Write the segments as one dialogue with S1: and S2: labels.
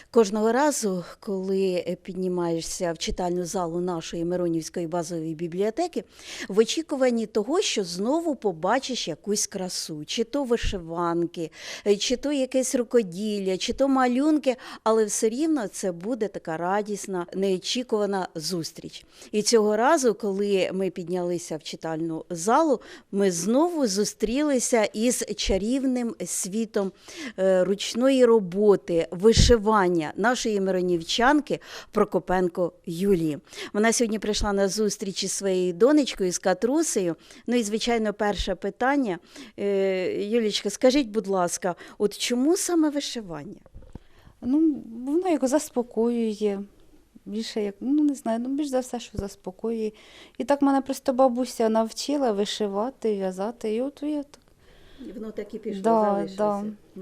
S1: Кожного разу, коли піднімаєшся в читальну залу нашої Миронівської базової бібліотеки, в очікуванні того, що знову побачиш якусь красу, чи то вишиванки, чи то якесь рукоділля, чи то малюнки, але все рівно це буде така радісна, неочікувана зустріч. І цього разу, коли ми піднялися в читальну залу, ми знову зустрілися із чарівним світом ручної роботи, вишивання нашої миронівчанки Прокопенко Юлії. Вона сьогодні прийшла на зустріч із своєю донечкою, з Катрусею. Ну і, звичайно, перше питання. Юлічка, скажіть, будь ласка, от чому саме вишивання?
S2: Ну, воно як заспокоює. Більше як, не знаю, більш за все, що заспокоює. І так мене просто бабуся навчила вишивати, в'язати. І от я так.
S1: Воно так і пішло,
S2: Да,
S1: залишилося.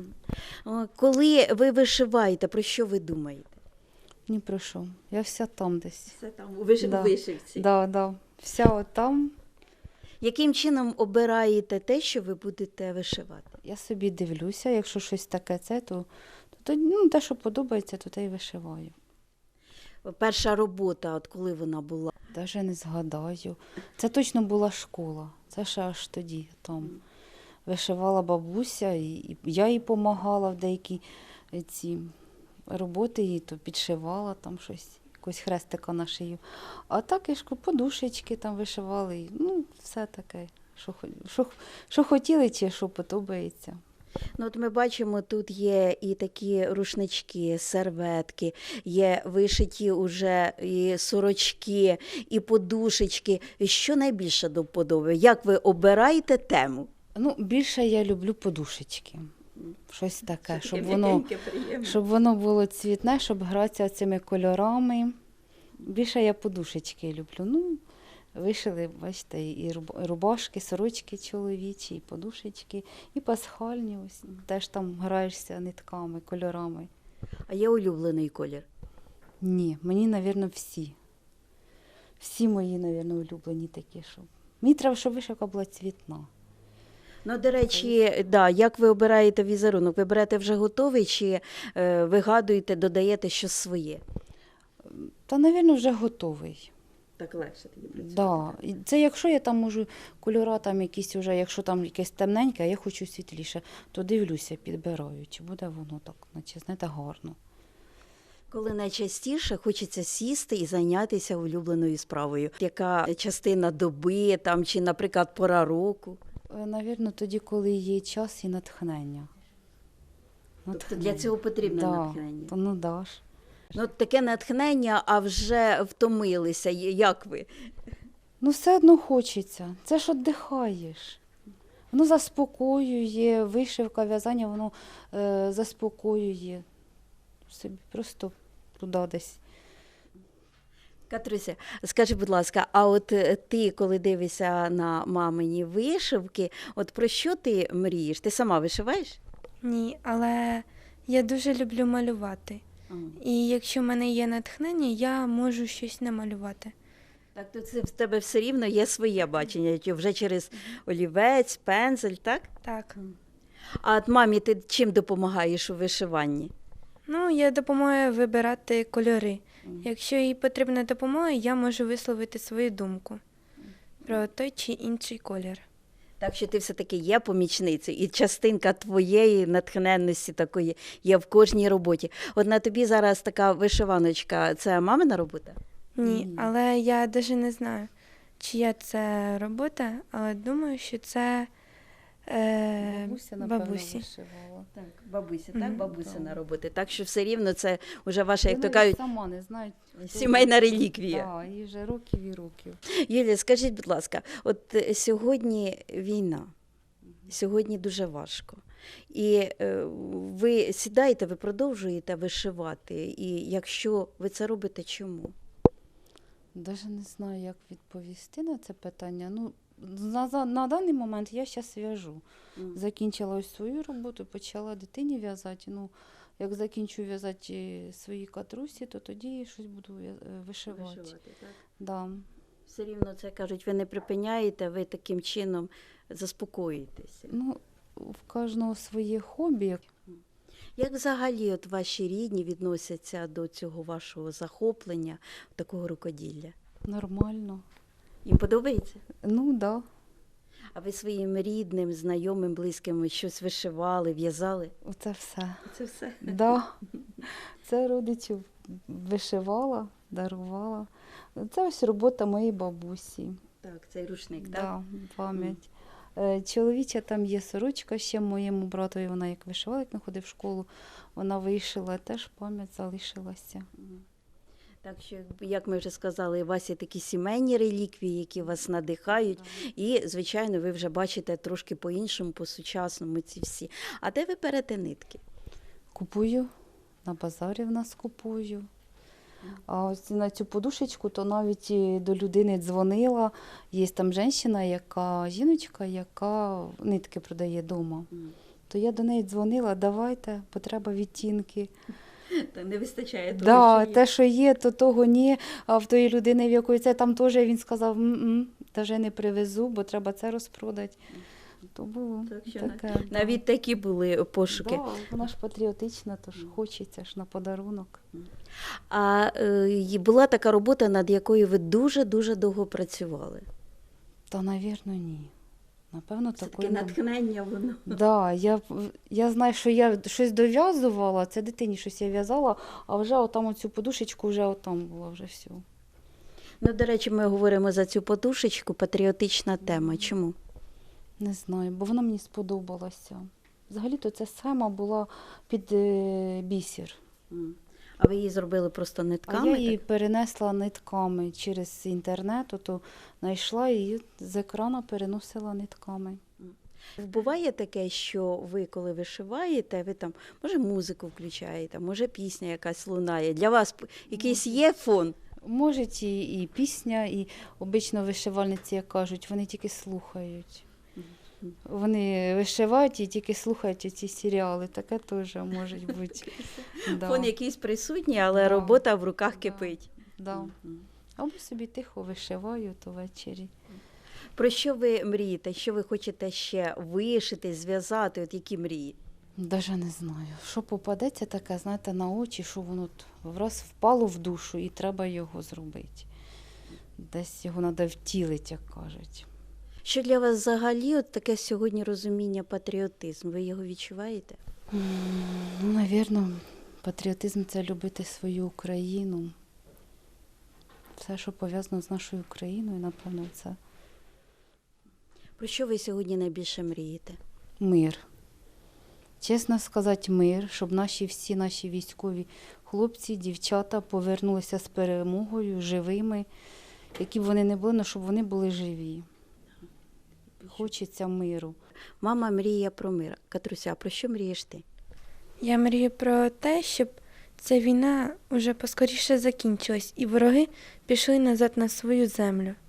S1: Коли ви вишиваєте, про що ви думаєте?
S2: Ні про що. Я вся там десь.
S1: Це там у
S2: Да.
S1: вишивці.
S2: Да. Вся от там.
S1: Яким чином обираєте те, що ви будете вишивати?
S2: Я собі дивлюся, якщо щось таке то те, що подобається, то те й вишиваю.
S1: Перша робота, от коли вона була?
S2: Даже не згадаю. Це точно була школа. Це ще аж тоді там. Вишивала бабуся, і я їй допомагала в деякі ці роботи, їй то підшивала там щось, якось хрестика на шию. А так і подушечки там вишивали, і, все таке, що хотіли чи що подобається.
S1: Ну, от ми бачимо, тут є і такі рушнички, серветки, є вишиті уже і сорочки, і подушечки. Що найбільше до вподоби? Як ви обираєте тему?
S2: Більше я люблю подушечки. Щось таке, щоб воно було цвітне, щоб гратися цими кольорами. Більше я подушечки люблю. Вишили, бачите, і рубашки, сорочки чоловічі, і подушечки, і пасхальні. Ось теж там граєшся нитками, кольорами.
S1: А є улюблений колір?
S2: Ні, мені, мабуть, всі. Всі мої, мабуть, улюблені такі, щоб. Мені треба, щоб вишивка була цвітна.
S1: Ну, до речі, да, як ви обираєте візерунок? Ви берете вже готовий чи вигадуєте, додаєте щось своє?
S2: Та, мабуть, вже готовий.
S1: Так легше тоді працювати.
S2: Да. І це якщо я там можу кольора там якісь вже, якщо там якесь темненьке, а я хочу світліше, то дивлюся, підбираю, чи буде воно так, наче, знаєте, гарно.
S1: Коли найчастіше хочеться сісти і зайнятися улюбленою справою? Яка частина доби там, чи, наприклад, пора року?
S2: Навірно, тоді, коли є час і натхнення.
S1: Тобто для цього потрібне натхнення?
S2: Да ж.
S1: Ну, таке натхнення, а вже втомилися. Як ви?
S2: Все одно хочеться. Це ж віддихаєш. Воно заспокоює, вишивка, в'язання, воно заспокоює. Собі просто туди десь.
S1: Катруся, скажи, будь ласка, а от ти, коли дивишся на мамині вишивки, от про що ти мрієш? Ти сама вишиваєш?
S3: Ні, але я дуже люблю малювати. І якщо в мене є натхнення, я можу щось намалювати.
S1: Так, то це в тебе все рівно є своє бачення, вже через олівець, пензель, так?
S3: Так.
S1: А от мамі ти чим допомагаєш у вишиванні?
S3: Я допомагаю вибирати кольори. Якщо їй потрібна допомога, я можу висловити свою думку про той чи інший колір.
S1: Так що ти все-таки є помічницею, і частинка твоєї натхненності такої є в кожній роботі. От на тобі зараз така вишиваночка, це мамина робота?
S3: Ні, але я навіть не знаю, чия це робота, але думаю, що це
S2: Бабуся, напевно,
S3: бабусі.
S2: вишивала.
S1: Так, бабуся, так?
S3: Мгм.
S1: Бабусина робота. Так що все рівно це вже ваша, як
S2: Вона
S1: то кажуть,
S2: сама не знає.
S1: сімейна реліквія.
S2: Так, їй вже років і років.
S1: Юлія, скажіть, будь ласка, от сьогодні війна, сьогодні дуже важко. І ви сідаєте, ви продовжуєте вишивати. І якщо ви це робите, чому?
S2: Навіть не знаю, як відповісти на це питання. На даний момент я зараз в'яжу. Закінчила ось свою роботу, почала дитині в'язати. Як закінчу в'язати свої катрусі, то тоді щось буду вишивати.
S1: Так?
S2: Да.
S1: Все рівно це, кажуть, ви не припиняєте, ви таким чином заспокоюєтеся.
S2: В кожного своє хобі.
S1: Як взагалі от ваші рідні відносяться до цього вашого захоплення, такого рукоділля?
S2: Нормально.
S1: Їм подобається?
S2: Ну, да.
S1: А ви своїм рідним, знайомим, близьким щось вишивали, в'язали?
S2: Оце все.
S1: Це все.
S2: Да. Це родичів вишивала, дарувала. Це ось робота моєї бабусі.
S1: Так, цей рушник, так?
S2: Да, пам'ять. Чоловіча там є сорочка ще моєму братові, вона як вишивала, як не ходив в школу, вона вишила, теж пам'ять залишилася.
S1: Так що, як ми вже сказали, у вас є такі сімейні реліквії, які вас надихають. І, звичайно, ви вже бачите трошки по-іншому, по-сучасному ці всі. А де ви берете нитки?
S2: Купую, на базарі в нас купую. А ось на цю подушечку, то навіть і до людини дзвонила. Є там жіночка, яка нитки продає вдома. То я до неї дзвонила, давайте, потреба відтінки.
S1: Та не вистачає того,
S2: Да,
S1: що є.
S2: те, що є, то того ні. А в тої людини, в якої це там теж він сказав, навіть не привезу, бо треба це розпродати. То було
S1: Так що
S2: таке.
S1: Навіть такі були пошуки.
S2: Да, вона ж патріотична, то ж хочеться ж на подарунок.
S1: А була така робота, над якою ви дуже-дуже довго працювали.
S2: Та, навірно, ні. Напевно,
S1: Це
S2: такої
S1: таке
S2: не
S1: натхнення воно.
S2: Да, я знаю, що я щось дов'язувала, це дитині щось я в'язала, а вже отам оцю подушечку вже отам була вже все.
S1: Ну, до речі, ми говоримо за цю подушечку, патріотична тема. Чому?
S2: Не знаю, бо вона мені сподобалася. Взагалі-то ця схема була під бісер.
S1: А ви її зробили просто
S2: А
S1: нитками?
S2: я її
S1: так?
S2: перенесла нитками через інтернет, то знайшла її з екрану, переносила нитками.
S1: Буває таке, що ви, коли вишиваєте, ви там, може, музику включаєте, може, пісня якась лунає. Для вас якийсь є фон?
S2: Може і пісня, і обично вишивальниці, як кажуть, вони тільки слухають. Вони вишивають і тільки слухають ці серіали. Таке теж може бути. Да.
S1: Фон якийсь присутній, але
S2: Да.
S1: робота в руках
S2: Да.
S1: кипить.
S2: Да. Або собі тихо вишиваю, то ввечері.
S1: Про що ви мрієте? Що ви хочете ще вишити, зв'язати? От які мрії?
S2: Даже не знаю. Що попадеться таке, знаєте, на очі, що воно враз впало в душу і треба його зробити. Десь його треба втілити, як кажуть.
S1: Що для вас взагалі от таке сьогодні розуміння патріотизм? Ви його відчуваєте?
S2: Ну, навірно, патріотизм – це любити свою Україну. Все, що пов'язано з нашою Україною, напевно, це
S1: Про що ви сьогодні найбільше мрієте?
S2: мир. Чесно сказати, мир, щоб всі наші військові хлопці, дівчата повернулися з перемогою, живими, які б вони не були, але щоб вони були живі. Хочеться миру.
S1: Мама мріє про мир. Катруся, а про що мрієш ти?
S3: Я мрію про те, щоб ця війна вже поскоріше закінчилась і вороги пішли назад на свою землю.